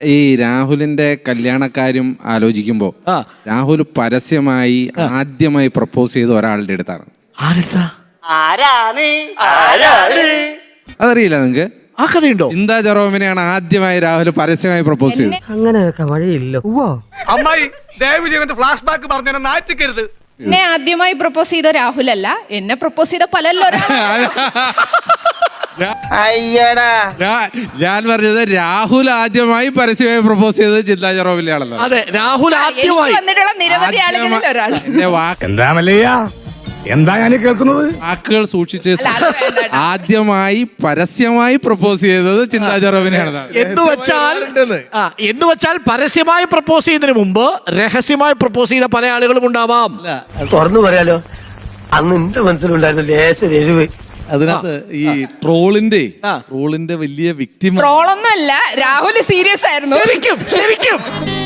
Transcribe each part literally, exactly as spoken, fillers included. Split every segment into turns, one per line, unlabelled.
ഈ രാഹുലിന്റെ കല്യാണക്കാര്യം ആലോചിക്കുമ്പോ രാഹുൽ പരസ്യമായി ആദ്യമായി പ്രപ്പോസ് ചെയ്ത ഒരാളുടെ അടുത്താണ്. അതറിയില്ല നിങ്ങക്ക്?
ആ കഥയുണ്ടോ?
ചിന്താ ജെറോമിനെയാണ് ആദ്യമായി രാഹുൽ പരസ്യമായി പ്രപ്പോസ് ചെയ്തത്.
അങ്ങനെയൊക്കെ വഴിയില്ലോ.
അമ്മായി ദയവ് ചെയ്തിട്ട് ഫ്ലാഷ് ബാക്ക് പറഞ്ഞു നാറ്റിക്കരുത്.
എന്നെ ആദ്യമായി പ്രപ്പോസ് ചെയ്ത രാഹുൽ അല്ല, എന്നെ പ്രപ്പോസ് ചെയ്ത പലല്ലോ.
ഞാൻ പറഞ്ഞത് രാഹുൽ ആദ്യമായി പരസ്യമായി പ്രപ്പോസ് ചെയ്തത് ചിന്താ ജെറോമിനെയാണല്ലോ.
അതെ, രാഹുൽ ആദ്യമായി
വന്നിട്ടുള്ള നിരവധി ആളുകളിൽ ഒരാൾ.
എന്താ മല്ലയ്യ, എന്താ ഞാൻ കേൾക്കുന്നത്?
വാക്കുകൾ സൂക്ഷിച്ച് ആദ്യമായി പരസ്യമായി പ്രപ്പോസ് ചെയ്തത് ചിന്താ ജെറോമിനെയാണ്.
എന്ന് വെച്ചാൽ എന്ന് വെച്ചാൽ പരസ്യമായി പ്രപ്പോസ് ചെയ്യുന്നതിന് മുമ്പ് രഹസ്യമായി പ്രപ്പോസ് ചെയ്ത പല ആളുകളും ഉണ്ടാവാം.
തുറന്നു പറയാലോ, അന്ന് എന്റെ മനസ്സിലുണ്ടായിരുന്ന ലേശം എരിവ്.
അതിനകത്ത് ഈ ട്രോളിന്റെ ട്രോളിന്റെ വലിയ വിക്ടിം
ട്രോളൊന്നും അല്ല, രാഹുൽ സീരിയസ് ആയിരുന്നു.
ശരിക്കും ശരിക്കും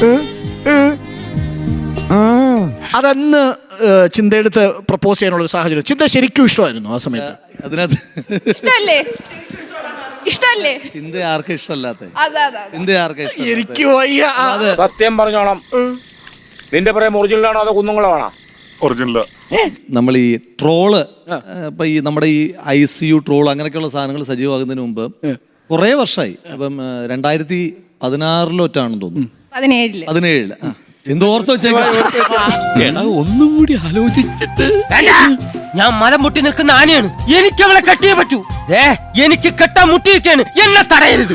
അതന്ന് ചിന്തയെടുത്ത് പ്രപ്പോസ് ചെയ്യാനുള്ള ഒരു സാഹചര്യം ചിന്ത ശരിക്കും ഇഷ്ടമായിരുന്നു ആ സമയത്ത്.
അതിനകത്ത്
ഇഷ്ടല്ലേ ഇഷ്ടല്ലേ
ചിന്ത ആർക്കും ഇഷ്ടമല്ലാത്ത
അതെ
ചിന്ത ആർക്കും ഇഷ്ടം.
എനിക്ക് വയ്യ.
സത്യം പറഞ്ഞോണം, നിന്റെ പറയാൻ ഒറിജിനലാണോ അതോ കുന്നുങ്ങളാണോ?
ഒറിജിനൽ.
നമ്മൾ ഈ ട്രോള് ഇപ്പൊ ഈ നമ്മുടെ ഈ ഐ സി യു ട്രോൾ അങ്ങനെയൊക്കെയുള്ള സാധനങ്ങൾ സജീവമാകുന്നതിന് മുമ്പ് കുറെ വർഷമായി. അപ്പം രണ്ടായിരത്തി പതിനാറിലൊറ്റാണെന്ന് തോന്നുന്നു,
പതിനേഴില്
പതിനേഴില് എന്തോർത്ത് വെച്ചേക്കാ
ഒന്നും കൂടി ആലോചിച്ചിട്ട്.
ഞാൻ മലം മുട്ടി നിൽക്കുന്ന ആനയാണ്, എനിക്ക് അവളെ കെട്ടിയേ പറ്റൂ. എനിക്ക് കെട്ടാൻ മുട്ടിയിരിക്കാണ്, എന്നെ തടയരുത്.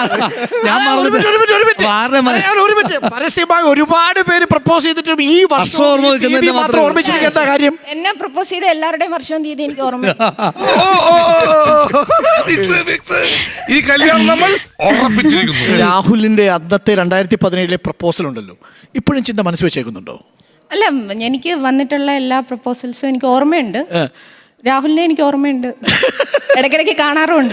പരസ്യമായി ഒരുപാട് പേര് പ്രപ്പോസ് ചെയ്തിട്ടും ഈ വർഷം ഓർമ്മിച്ചിരിക്കുന്ന കാര്യം.
എന്നെ പ്രപ്പോസ് ചെയ്ത എല്ലാവരുടെയും വർഷവും തീയതി എനിക്ക് ഓർമ്മ.
ഈ കല്യാണം നമ്മൾ ഉറപ്പിച്ചിരിക്കുന്നു.
രാഹുലിന്റെ അന്നത്തെ രണ്ടായിരത്തി പതിനേഴിലെ പ്രപ്പോസൽ ഉണ്ടല്ലോ, ഇപ്പോഴും ചിന്ത മനസ്സ് വെച്ചേക്കുന്നുണ്ടോ?
അല്ല, എനിക്ക് വന്നിട്ടുള്ള എല്ലാ പ്രപ്പോസൽസും എനിക്ക് ഓർമ്മയുണ്ട്. രാഹുലിനെ എനിക്ക് ഓർമ്മയുണ്ട്, ഇടയ്ക്കിടയ്ക്ക് കാണാറുമുണ്ട്.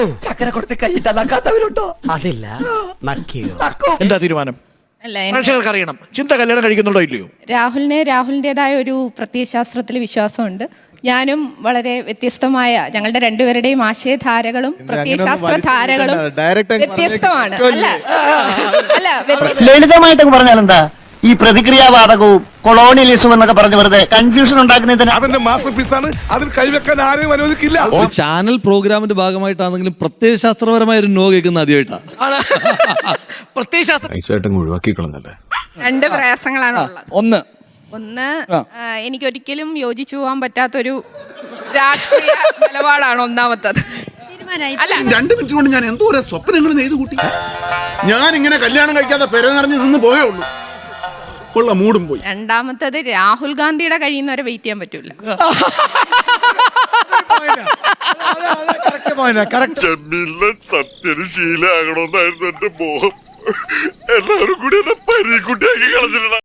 അതില്ല.
എന്താ തീരുമാനം?
അല്ല,
പ്രേക്ഷകർക്ക് അറിയണം, ചിന്ത കല്യാണം കഴിക്കുന്നുണ്ടോ ഇല്ലയോ?
രാഹുലിന് രാഹുലിൻ്റെതായ ഒരു പ്രത്യയശാസ്ത്രത്തിൽ വിശ്വാസമുണ്ട്. ഞാനും വളരെ വ്യത്യസ്തമായ, ഞങ്ങളുടെ രണ്ടുപേരുടെയും ആശയധാരകളും പ്രത്യയശാസ്ത്ര ധാരകളും വ്യത്യസ്തമാണ്. അല്ല അല്ല
ലളിതമായിട്ടൊക്കെ പറഞ്ഞാലെന്താ ഈ പ്രതിക്രിയാവാദകവും കൊളോണിയലിസവും എന്നൊക്കെ പറഞ്ഞ് വെറുതെ കൺഫ്യൂഷൻ ഉണ്ടാക്കുന്നതിന്
അതിന്റെ മാസ്റ്റർ പീസാണ്, അതിൽ കൈവെക്കാൻ ആരെയും അനുവദിക്കില്ല.
ഒരു ചാനൽ പ്രോഗ്രാമിന്റെ ഭാഗമായിട്ടാണെങ്കിലും പ്രത്യയശാസ്ത്രപരമായ ഒരു നോ കേൾക്കുന്ന ആദ്യമായിട്ടാണ്.
പ്രത്യയശാസ്ത്രം
ഒഴിവാക്കിക്കളന്നല്ലേ.
രണ്ട് പ്രയാസങ്ങളാണ് ഉള്ളത്.
ഒന്ന്
ഒന്ന് എനിക്കൊരിക്കലും യോജിച്ചു പോകാൻ പറ്റാത്തൊരു രാഷ്ട്രീയ നിലപാടാണ് ഒന്നാമത്തത്. അല്ല,
രണ്ടു മിനിറ്റ് കൊണ്ട് ഞാൻ എന്തോ സ്വപ്നങ്ങൾ നെയ്ത് കൂട്ടി. ഞാൻ ഇങ്ങനെ കല്യാണം കഴിക്കാതെ പെര നിറഞ്ഞു നിന്ന് പോയേ ഉള്ളൂ. ഉള്ള മൂടും പോയി.
രണ്ടാമത്തത് രാഹുൽ ഗാന്ധിയുടെ കഴിയുന്നവരെ വെയിറ്റ് ചെയ്യാൻ പറ്റൂല.
സത്യന് ശീലമാകണമെന്നായിരുന്നു എന്റെ മോഹം. എല്ലാവരും കൂടി എന്നെ പരിക്കുട്ടിയാക്കി കളഞ്ഞില്ല.